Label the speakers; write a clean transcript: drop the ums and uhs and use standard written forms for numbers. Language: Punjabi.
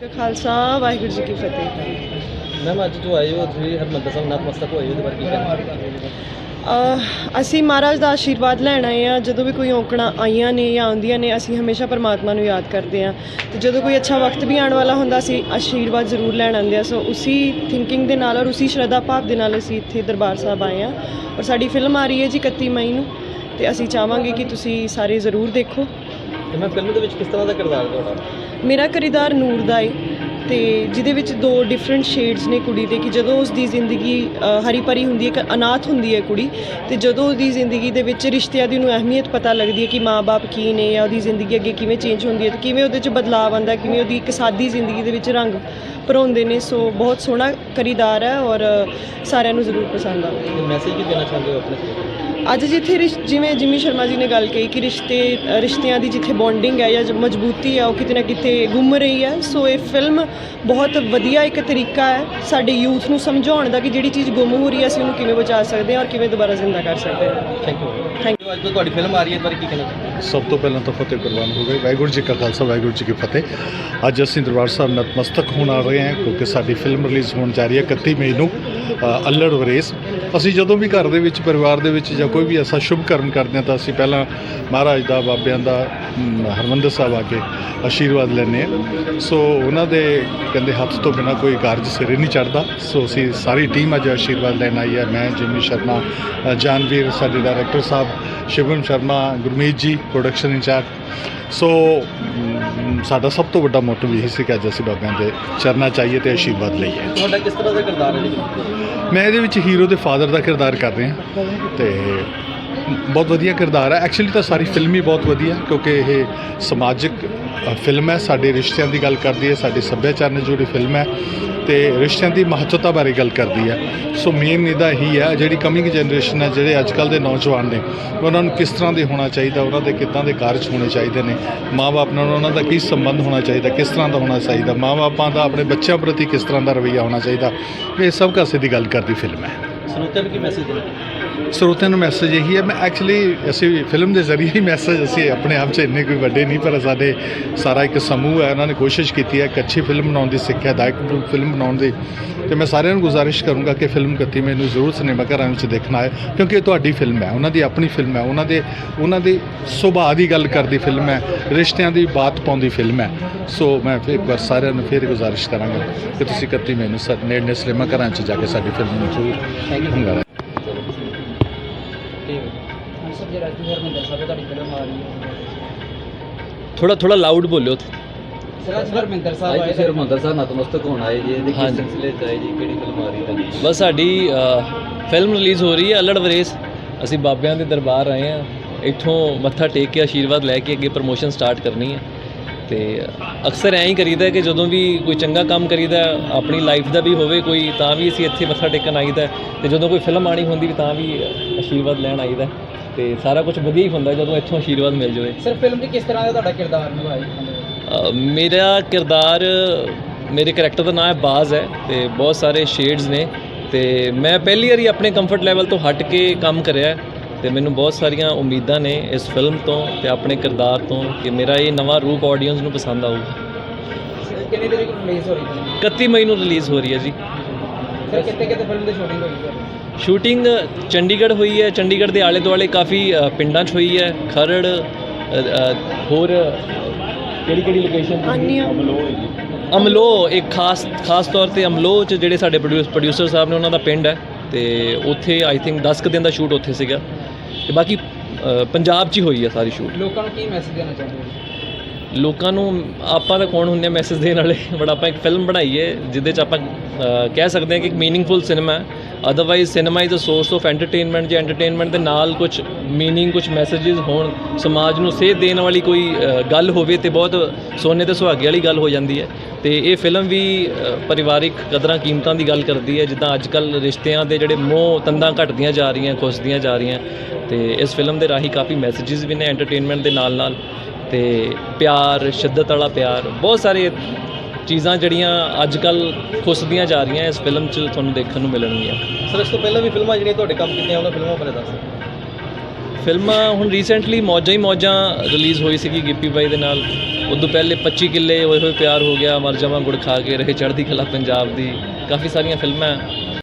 Speaker 1: ਖਾਲਸਾ ਵਾਹਿਗੁਰੂ ਜੀ ਕੀ ਫਤਿਹ।
Speaker 2: ਮੈਮ ਅੱਜ ਜੋ ਆਏ ਹੋ ਤੁਸੀਂ ਹਰਿਮੰਦਰ ਸਾਹਿਬ ਨਤਮਸਤਕ ਹੋਏ ਉਹਦੇ ਬਾਰੇ ਕੀ ਕਹਿਣਾ?
Speaker 1: ਅਸੀਂ ਮਹਾਰਾਜ ਦਾ ਆਸ਼ੀਰਵਾਦ ਲੈਣ ਆਏ ਹਾਂ। ਜਦੋਂ ਵੀ ਕੋਈ ਔਕੜਾਂ ਆਈਆਂ ਨੇ ਜਾਂ ਆਉਂਦੀਆਂ ਨੇ ਅਸੀਂ ਹਮੇਸ਼ਾ ਪਰਮਾਤਮਾ ਨੂੰ ਯਾਦ ਕਰਦੇ ਹਾਂ ਅਤੇ ਜਦੋਂ ਕੋਈ ਅੱਛਾ ਵਕਤ ਵੀ ਆਉਣ ਵਾਲਾ ਹੁੰਦਾ ਅਸੀਂ ਆਸ਼ੀਰਵਾਦ ਜ਼ਰੂਰ ਲੈਣ ਆਉਂਦੇ ਹਾਂ। ਸੋ ਉਸੀ ਥਿੰਕਿੰਗ ਦੇ ਨਾਲ ਔਰ ਉਸੀ ਸ਼ਰਧਾ ਭਾਵ ਦੇ ਨਾਲ ਅਸੀਂ ਇੱਥੇ ਦਰਬਾਰ ਸਾਹਿਬ ਆਏ ਹਾਂ ਔਰ ਸਾਡੀ ਫਿਲਮ ਆ ਰਹੀ ਹੈ ਜੀ 31 ਮਈ ਨੂੰ ਅਤੇ ਅਸੀਂ ਚਾਹਾਂਗੇ ਕਿ ਤੁਸੀਂ ਸਾਰੇ ਜ਼ਰੂਰ ਦੇਖੋ।
Speaker 2: ਤੇ ਮੈਂ ਫਿਲਮ ਦੇ ਵਿੱਚ ਕਿਸ ਤਰ੍ਹਾਂ ਦਾ ਕਿਰਦਾਰ ਤੁਹਾਡਾ?
Speaker 1: ਮੇਰਾ ਕਿਰਦਾਰ ਨੂਰ ਦਾ ਏ ਅਤੇ ਜਿਹਦੇ ਵਿੱਚ ਦੋ ਡਿਫਰੈਂਟ ਸ਼ੇਡਸ ਨੇ ਕੁੜੀ ਦੇ, ਕਿ ਜਦੋਂ ਉਸ ਦੀ ਜ਼ਿੰਦਗੀ ਹਰੀ ਭਰੀ ਹੁੰਦੀ ਹੈ, ਇੱਕ ਅਨਾਥ ਹੁੰਦੀ ਹੈ ਕੁੜੀ, ਅਤੇ ਜਦੋਂ ਉਹਦੀ ਜ਼ਿੰਦਗੀ ਦੇ ਵਿੱਚ ਰਿਸ਼ਤਿਆਂ ਦੀ ਉਹਨੂੰ ਅਹਿਮੀਅਤ ਪਤਾ ਲੱਗਦੀ ਹੈ ਕਿ ਮਾਂ-ਬਾਪ ਕੀ ਨੇ ਜਾਂ ਉਹਦੀ ਜ਼ਿੰਦਗੀ ਅੱਗੇ ਕਿਵੇਂ ਚੇਂਜ ਹੁੰਦੀ ਹੈ ਅਤੇ ਕਿਵੇਂ ਉਹਦੇ 'ਚ ਬਦਲਾਅ ਆਉਂਦਾ, ਕਿਵੇਂ ਉਹਦੀ ਇੱਕ ਸਾਦੀ ਜ਼ਿੰਦਗੀ ਦੇ ਵਿੱਚ ਰੰਗ ਭਰੋਂਦੇ ਨੇ। ਸੋ ਬਹੁਤ ਸੋਹਣਾ ਕਿਰਦਾਰ ਹੈ ਔਰ ਸਾਰਿਆਂ ਨੂੰ ਜ਼ਰੂਰ ਪਸੰਦ ਆਵੇ।
Speaker 2: ਮੈਸੇਜ ਕੀ ਦੇਣਾ ਚਾਹੁੰਦੇ ਹੋ ਆਪਣੇ?
Speaker 1: ਅੱਜ ਜਿੱਥੇ ਜਿਵੇਂ ਜਿਮੀ ਸ਼ਰਮਾ ਜੀ ਨੇ ਗੱਲ ਕਹੀ ਕਿ ਰਿਸ਼ਤਿਆਂ ਦੀ ਜਿੱਥੇ ਬੌਂਡਿੰਗ ਹੈ ਜਾਂ ਮਜ਼ਬੂਤੀ ਹੈ ਉਹ ਕਿਤੇ ਨਾ ਕਿਤੇ ਗੁੰਮ ਰਹੀ ਹੈ। ਸੋ ਇਹ ਫਿਲਮ ਬਹੁਤ ਵਧੀਆ ਇੱਕ ਤਰੀਕਾ ਹੈ ਸਾਡੇ ਯੂਥ ਨੂੰ ਸਮਝਾਉਣ ਦਾ ਕਿ ਜਿਹੜੀ ਚੀਜ਼ ਗੁੰਮ ਹੋ ਰਹੀ ਹੈ ਅਸੀਂ ਉਹਨੂੰ ਕਿਵੇਂ ਬਚਾ ਸਕਦੇ ਹਾਂ ਔਰ ਕਿਵੇਂ ਦੁਬਾਰਾ ਜ਼ਿੰਦਾ ਕਰ ਸਕਦੇ ਹਾਂ।
Speaker 2: Thank you.
Speaker 1: Thank you.
Speaker 2: ਅੱਜ ਤੋਂ ਤੁਹਾਡੀ ਫਿਲਮ ਆ ਰਹੀ ਹੈ ਇਸ ਬਾਰੇ ਕੀ ਕਹਿਣਾ ਚਾਹੁੰਦੇ?
Speaker 3: ਸਭ ਤੋਂ ਪਹਿਲਾਂ ਤਾਂ ਫਤਿਹ ਕੁਰਬਾਨ ਹੋ ਗਏ। ਵਾਹਿਗੁਰੂ ਜੀ ਕਾ ਖਾਲਸਾ ਵਾਹਿਗੁਰੂ ਜੀ ਕੀ ਫਤਿਹ। ਅੱਜ ਅਸੀਂ ਦਰਬਾਰ ਸਾਹਿਬ ਨਤਮਸਤਕ ਹੋਣ ਆ ਰਹੇ ਹਾਂ ਕਿਉਂਕਿ ਸਾਡੀ ਫਿਲਮ ਰਿਲੀਜ਼ ਹੋਣ ਜਾ ਰਹੀ ਹੈ 31 ਮਈ ਨੂੰ, ਅੱਲੜ ਵਰੇਸ। ਅਸੀਂ ਜਦੋਂ ਵੀ ਘਰ ਦੇ ਵਿੱਚ ਪਰਿਵਾਰ ਦੇ ਵਿੱਚ ਜਾਂ ਕੋਈ ਵੀ ਐਸਾ ਸ਼ੁਭ ਕਰਮ ਕਰਦੇ ਹਾਂ ਤਾਂ ਅਸੀਂ ਪਹਿਲਾਂ ਮਹਾਰਾਜ ਦਾ, ਬਾਬਿਆਂ ਦਾ, ਹਰਿਮੰਦਰ ਸਾਹਿਬ ਆ ਕੇ ਆਸ਼ੀਰਵਾਦ ਲੈਂਦੇ ਹਾਂ। ਸੋ ਉਹਨਾਂ ਦੇ ਕਹਿੰਦੇ ਹੱਥ ਤੋਂ ਬਿਨਾਂ ਕੋਈ ਕਾਰਜ ਸਿਰੇ ਨਹੀਂ ਚੜ੍ਹਦਾ। ਸੋ ਅਸੀਂ ਸਾਰੀ ਟੀਮ ਅੱਜ ਆਸ਼ੀਰਵਾਦ ਲੈਣ ਆਈ ਹੈ। ਮੈਂ, ਜਿਮੀ ਸ਼ਰਮਾ, ਜਾਨਵੀਰ, ਸਾਡੇ ਡਾਇਰੈਕਟਰ ਸਾਹਿਬ, ਸ਼ਿਵਮ ਸ਼ਰਮਾ, ਗੁਰਮੀਤ ਜੀ ਪ੍ਰੋਡਕਸ਼ਨ ਇੰਚਾਰਜ। ਸੋ ਸਾਡਾ ਸਭ ਤੋਂ ਵੱਡਾ ਮੋਟਿਵ ਇਹ ਸੀ ਕਿ ਅੱਜ ਅਸੀਂ ਬਾਬਿਆਂ ਦੇ ਚਰਨਾਂ 'ਚ ਆਈਏ ਅਤੇ ਆਸ਼ੀਰਵਾਦ ਲਈਏ।
Speaker 2: ਤੁਹਾਡਾ ਕਿਸ ਤਰ੍ਹਾਂ ਦਾ ਕਿਰਦਾਰ ਹੈ?
Speaker 3: ਮੈਂ ਇਹਦੇ ਵਿੱਚ ਹੀਰੋ ਦੇ ਫਾਦਰ ਦਾ ਕਿਰਦਾਰ ਕਰ ਰਿਹਾ ਅਤੇ ਬਹੁਤ ਵਧੀਆ ਕਿਰਦਾਰ ਹੈ। ਐਕਚੁਅਲੀ ਤਾਂ ਸਾਰੀ ਫਿਲਮ ਹੀ ਬਹੁਤ ਵਧੀਆ ਕਿਉਂਕਿ ਇਹ ਸਮਾਜਿਕ ਫਿਲਮ ਹੈ, ਸਾਡੇ ਰਿਸ਼ਤਿਆਂ ਦੀ ਗੱਲ ਕਰਦੀ ਹੈ, ਸਾਡੇ ਸੱਭਿਆਚਾਰ ਨਾਲ ਜੁੜੀ ਫਿਲਮ ਹੈ ਅਤੇ ਰਿਸ਼ਤਿਆਂ ਦੀ ਮਹੱਤਤਾ ਬਾਰੇ ਗੱਲ ਕਰਦੀ ਹੈ। ਸੋ ਮੇਨ ਇਹਦਾ ਇਹੀ ਹੈ ਜਿਹੜੀ ਕਮਿੰਗ ਜਨਰੇਸ਼ਨ ਹੈ, ਜਿਹੜੇ ਅੱਜ ਕੱਲ੍ਹ ਦੇ ਨੌਜਵਾਨ ਨੇ, ਉਹਨਾਂ ਨੂੰ ਕਿਸ ਤਰ੍ਹਾਂ ਦੇ ਹੋਣਾ ਚਾਹੀਦਾ, ਉਹਨਾਂ ਦੇ ਕਿੱਦਾਂ ਦੇ ਕਾਰਜ ਹੋਣੇ ਚਾਹੀਦੇ ਨੇ, ਮਾਂ-ਬਾਪ ਨਾਲ ਉਹਨਾਂ ਦਾ ਕੀ ਸੰਬੰਧ ਹੋਣਾ ਚਾਹੀਦਾ, ਕਿਸ ਤਰ੍ਹਾਂ ਦਾ ਹੋਣਾ ਚਾਹੀਦਾ, ਮਾਂ-ਬਾਪਾਂ ਦਾ ਆਪਣੇ ਬੱਚਿਆਂ ਪ੍ਰਤੀ ਕਿਸ ਤਰ੍ਹਾਂ ਦਾ ਰਵੱਈਆ ਹੋਣਾ ਚਾਹੀਦਾ, ਇਹ ਸਭ ਕਾਸੇ ਦੀ ਗੱਲ ਕਰਦੀ ਫਿਲਮ ਹੈ।
Speaker 2: ਸਰੋਤਿਆਂ ਨੂੰ ਕੀ ਮੈਸੇਜ ਦੇਣਾ?
Speaker 3: ਸਰੋਤਿਆਂ ਨੂੰ ਮੈਸੇਜ ਇਹੀ ਹੈ, ਮੈਂ ਐਕਚੁਅਲੀ ਅਸੀਂ ਫਿਲਮ ਦੇ ਜ਼ਰੀਏ ਹੀ ਮੈਸੇਜ, ਅਸੀਂ ਆਪਣੇ ਆਪ 'ਚ ਇੰਨੇ ਕੋਈ ਵੱਡੇ ਨਹੀਂ ਪਰ ਸਾਡੇ ਸਾਰਾ ਇੱਕ ਸਮੂਹ ਹੈ, ਉਹਨਾਂ ਨੇ ਕੋਸ਼ਿਸ਼ ਕੀਤੀ ਹੈ ਇੱਕ ਅੱਛੀ ਫਿਲਮ ਬਣਾਉਣ ਦੀ, ਸਿੱਖਿਆਦਾਇਕ ਫਿਲਮ ਬਣਾਉਣ ਦੀ। ਅਤੇ ਮੈਂ ਸਾਰਿਆਂ ਨੂੰ ਗੁਜ਼ਾਰਿਸ਼ ਕਰੂੰਗਾ ਕਿ ਫਿਲਮ 31 ਮਈ ਨੂੰ ਜ਼ਰੂਰ ਸਿਨੇਮਾ ਘਰਾਂ ਵਿੱਚ ਦੇਖਣਾ ਹੈ ਕਿਉਂਕਿ ਇਹ ਤੁਹਾਡੀ ਫਿਲਮ ਹੈ, ਉਹਨਾਂ ਦੀ ਆਪਣੀ ਫਿਲਮ ਹੈ, ਉਹਨਾਂ ਦੇ ਸੁਭਾਅ ਦੀ ਗੱਲ ਕਰਦੀ ਫਿਲਮ ਹੈ, ਰਿਸ਼ਤਿਆਂ ਦੀ ਬਾਤ ਪਾਉਂਦੀ ਫਿਲਮ ਹੈ। ਸੋ ਮੈਂ ਫਿਰ ਇੱਕ ਵਾਰ ਸਾਰਿਆਂ ਨੂੰ ਫਿਰ ਗੁਜ਼ਾਰਿਸ਼ ਕਰਾਂਗਾ ਕਿ ਤੁਸੀਂ 31 ਮਈ ਨੂੰ ਨੇੜਲੇ ਸਿਨੇਮਾ ਘਰਾਂ 'ਚ ਜਾ ਕੇ ਸਾਡੀ ਫਿਲਮ ਨੂੰ ਜ਼ਰੂਰ ਹੰਗਾਰਾ।
Speaker 2: ਥੋੜਾ ਲਾਊਡ ਬੋਲਿਓ।
Speaker 4: ਹਰਿਮੰਦਰ ਸਾਹਿਬ ਨਤਮਸਤਕ ਹੋਣ ਆਏ ਜੀ, ਇਹਦੇ ਕਿਸ ਸਿਲਸਿਲੇ 'ਚ ਆਏ ਜੀ, ਕਿਹੜੀ ਫਿਲਮ ਆ ਰਹੀ ਹੈ?
Speaker 2: ਬਸ ਸਾਡੀ ਫਿਲਮ ਰਿਲੀਜ਼ ਹੋ ਰਹੀ ਹੈ ਅੱਲੜ ਵਰੇਸ। ਅਸੀਂ ਬਾਬਿਆਂ ਦੇ ਦਰਬਾਰ ਆਏ ਹਾਂ, ਇੱਥੋਂ ਮੱਥਾ ਟੇਕ ਕੇ ਆਸ਼ੀਰਵਾਦ ਲੈ ਕੇ ਅੱਗੇ ਪ੍ਰਮੋਸ਼ਨ ਸਟਾਰਟ ਕਰਨੀ ਹੈ। ਅਤੇ ਅਕਸਰ ਐਂ ਹੀ ਕਰੀਦਾ ਕਿ ਜਦੋਂ ਵੀ ਕੋਈ ਚੰਗਾ ਕੰਮ ਕਰੀਦਾ ਆਪਣੀ ਲਾਈਫ ਦਾ ਵੀ ਹੋਵੇ ਕੋਈ, ਤਾਂ ਵੀ ਅਸੀਂ ਇੱਥੇ ਮੱਥਾ ਟੇਕਣ ਆਈਦਾ, ਅਤੇ ਜਦੋਂ ਕੋਈ ਫਿਲਮ ਆਉਣੀ ਹੁੰਦੀ ਵੀ ਤਾਂ ਵੀ ਆਸ਼ੀਰਵਾਦ ਲੈਣ ਆਈਦਾ, ਅਤੇ ਸਾਰਾ ਕੁਝ ਵਧੀਆ ਹੀ ਹੁੰਦਾ ਜਦੋਂ ਇੱਥੋਂ ਆਸ਼ੀਰਵਾਦ ਮਿਲ ਜਾਵੇ।
Speaker 4: ਸਰ ਫਿਲਮ 'ਚ ਕਿਸ ਤਰ੍ਹਾਂ ਦਾ ਤੁਹਾਡਾ ਕਿਰਦਾਰ ਨਿਭਾਇਆ?
Speaker 2: ਮੇਰਾ ਕਿਰਦਾਰ, ਮੇਰੇ ਕਰੈਕਟਰ ਦਾ ਨਾਮ ਹੈ ਬਾਜ਼ ਹੈ ਅਤੇ ਬਹੁਤ ਸਾਰੇ ਸ਼ੇਡਸ ਨੇ, ਅਤੇ ਮੈਂ ਪਹਿਲੀ ਵਾਰੀ ਆਪਣੇ ਕੰਫਰਟ ਲੈਵਲ ਤੋਂ ਹਟ ਕੇ ਕੰਮ ਕਰਿਆ ਅਤੇ ਮੈਨੂੰ ਬਹੁਤ ਸਾਰੀਆਂ ਉਮੀਦਾਂ ਨੇ ਇਸ ਫਿਲਮ ਤੋਂ ਅਤੇ ਆਪਣੇ ਕਿਰਦਾਰ ਤੋਂ ਕਿ ਮੇਰਾ ਇਹ ਨਵਾਂ ਰੂਪ ਆਡੀਅנס ਨੂੰ ਪਸੰਦ ਆਊਗਾ।
Speaker 4: ਕਿੰਨੀ ਤਰੀਕ ਨੂੰ ਰਿਲੀਜ਼ ਹੋ ਰਹੀ ਹੈ?
Speaker 2: 31 ਮਈ ਨੂੰ ਰਿਲੀਜ਼ ਹੋ ਰਹੀ ਹੈ ਜੀ।
Speaker 4: ਸਰ ਕਿੱਥੇ ਫਿਲਮ ਦੀ ਸ਼ੂਟਿੰਗ ਹੋਈ ਹੈ?
Speaker 2: ਸ਼ੂਟਿੰਗ ਚੰਡੀਗੜ੍ਹ ਹੋਈ ਹੈ, ਚੰਡੀਗੜ੍ਹ ਦੇ ਆਲੇ ਦੁਆਲੇ ਕਾਫੀ ਪਿੰਡਾਂ 'ਚ ਹੋਈ ਹੈ, ਖਰੜ, ਹੋਰ ਕਿਹੜੀ ਲੋਕੇਸ਼ਨ? ਅਮਲੋ, ਇੱਕ ਖਾਸ ਤੌਰ 'ਤੇ ਅਮਲੋ 'ਚ ਜਿਹੜੇ ਸਾਡੇ ਪ੍ਰੋਡਿਊਸਰ ਸਾਹਿਬ ਨੇ ਉਹਨਾਂ ਦਾ ਪਿੰਡ ਹੈ ਅਤੇ ਉੱਥੇ ਆਈ ਥਿੰਕ 10 ਕੁ ਦਿਨ ਦਾ ਸ਼ੂਟ ਉੱਥੇ ਸੀਗਾ ਅਤੇ ਬਾਕੀ ਪੰਜਾਬ 'ਚ ਹੀ ਹੋਈ ਹੈ ਸਾਰੀ ਸ਼ੂਟ।
Speaker 4: ਲੋਕਾਂ ਨੂੰ ਕੀ ਮੈਸੇਜ ਦੇਣਾ ਚਾਹੁੰਦੇ ਹੋ?
Speaker 2: ਲੋਕਾਂ ਨੂੰ ਆਪਾਂ ਤਾਂ ਕੌਣ ਹੁੰਦੇ ਹਾਂ ਮੈਸੇਜ ਦੇਣ ਵਾਲੇ, ਬਟ ਆਪਾਂ ਇੱਕ ਫਿਲਮ ਬਣਾਈ ਹੈ ਜਿਹਦੇ 'ਚ ਆਪਾਂ ਕਹਿ ਸਕਦੇ ਹਾਂ ਕਿ ਇੱਕ ਮੀਨਿੰਗਫੁਲ ਸਿਨੇਮਾ ਹੈ। Otherwise cinema is a source of entertainment, ਜੇ ਐਂਟਰਟੇਨਮੈਂਟ ਦੇ ਨਾਲ ਕੁਝ ਮੀਨਿੰਗ, ਕੁਝ ਮੈਸੇਜਿਸ ਹੋਣ, ਸਮਾਜ ਨੂੰ ਸੇਧ ਦੇਣ ਵਾਲੀ ਕੋਈ ਗੱਲ ਹੋਵੇ ਤਾਂ ਬਹੁਤ ਸੋਨੇ 'ਤੇ ਸੁਹਾਗੇ ਵਾਲੀ ਗੱਲ ਹੋ ਜਾਂਦੀ ਹੈ। ਅਤੇ ਇਹ ਫਿਲਮ ਵੀ ਪਰਿਵਾਰਿਕ ਕਦਰਾਂ ਕੀਮਤਾਂ ਦੀ ਗੱਲ ਕਰਦੀ ਹੈ, ਜਿੱਦਾਂ ਅੱਜ ਕੱਲ੍ਹ ਰਿਸ਼ਤਿਆਂ ਦੇ ਜਿਹੜੇ ਮੋਹ ਤੰਦਾਂ ਘਟਦੀਆਂ ਜਾ ਰਹੀਆਂ, ਖੁੱਸਦੀਆਂ ਜਾ ਰਹੀਆਂ, ਅਤੇ ਇਸ ਫਿਲਮ ਦੇ ਰਾਹੀਂ ਕਾਫੀ ਮੈਸੇਜਿਸ ਵੀ ਨੇ ਐਂਟਰਟੇਨਮੈਂਟ ਦੇ ਨਾਲ ਅਤੇ ਪਿਆਰ, ਸ਼ਿੱਦਤ ਵਾਲਾ ਪਿਆਰ, ਬਹੁਤ ਸਾਰੇ ਚੀਜ਼ਾਂ ਜਿਹੜੀਆਂ ਅੱਜ ਕੱਲ੍ਹ ਖੁੱਸਦੀਆਂ ਜਾ ਰਹੀਆਂ ਇਸ ਫਿਲਮ 'ਚ ਤੁਹਾਨੂੰ ਦੇਖਣ ਨੂੰ ਮਿਲਣਗੀਆਂ।
Speaker 5: ਸਰ ਇਸ ਤੋਂ ਪਹਿਲਾਂ ਵੀ ਫਿਲਮਾਂ ਜਿਹੜੀਆਂ ਤੁਹਾਡੇ ਕੰਮ ਕੀਤੀਆਂ ਉਹਨਾਂ ਫਿਲਮਾਂ ਬਾਰੇ ਦੱਸ।
Speaker 2: ਫਿਲਮਾਂ ਹੁਣ ਰੀਸੈਂਟਲੀ ਮੌਜਾਂ ਹੀ ਮੌਜਾਂ ਰਿਲੀਜ਼ ਹੋਈ ਸੀਗੀ ਗਿੱਪੀ ਬਾਈ ਦੇ ਨਾਲ। ਉਦੋਂ ਪਹਿਲੇ 25 ਕਿੱਲੇ ਹੋਏ ਹੋਏ ਪਿਆਰ ਹੋ ਗਿਆ, ਮਰ ਜਾਵਾਂ ਗੁੜ ਖਾ ਕੇ, ਰਹੇ ਚੜ੍ਹਦੀ ਕਲਾ ਪੰਜਾਬ ਦੀ, ਕਾਫੀ ਸਾਰੀਆਂ ਫਿਲਮਾਂ